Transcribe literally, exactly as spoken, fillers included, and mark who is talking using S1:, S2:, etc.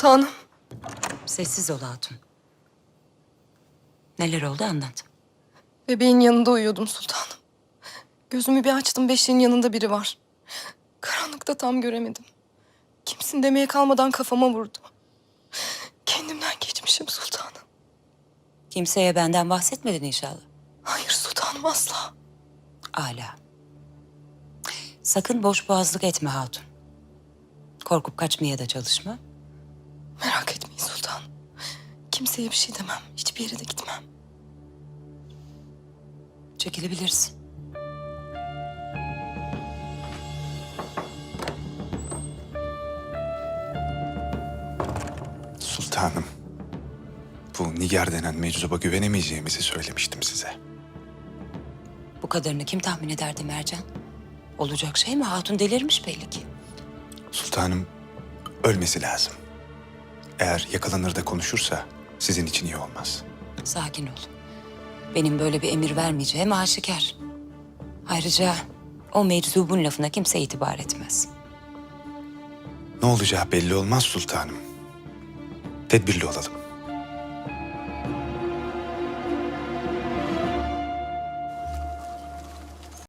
S1: Sultanım.
S2: Sessiz ol hatun. Neler oldu anlat.
S1: Bebeğin yanında uyuyordum sultanım. Gözümü bir açtım, beşiğin yanında biri var. Karanlıkta tam göremedim. Kimsin demeye kalmadan kafama vurdu. Kendimden geçmişim sultanım.
S2: Kimseye benden bahsetmedin inşallah.
S1: Hayır sultanım, asla.
S2: Âlâ. Sakın boş boğazlık etme hatun. Korkup kaçmaya da çalışma.
S1: Merak etmeyin sultanım. Kimseye bir şey demem. Hiçbir yere de gitmem.
S2: Çekilebilirsin.
S3: Sultanım, bu Nigar denen meczuba güvenemeyeceğimizi söylemiştim size.
S2: Bu kadarını kim tahmin ederdi Mercan? Olacak şey mi? Hatun delirmiş belli ki.
S3: Sultanım, ölmesi lazım. Eğer yakalanır da konuşursa sizin için iyi olmaz.
S2: Sakin ol. Benim böyle bir emir vermeyeceğim aşikar. Ayrıca o meczubun lafına kimse itibar etmez.
S3: Ne olacağı belli olmaz sultanım. Tedbirli olalım.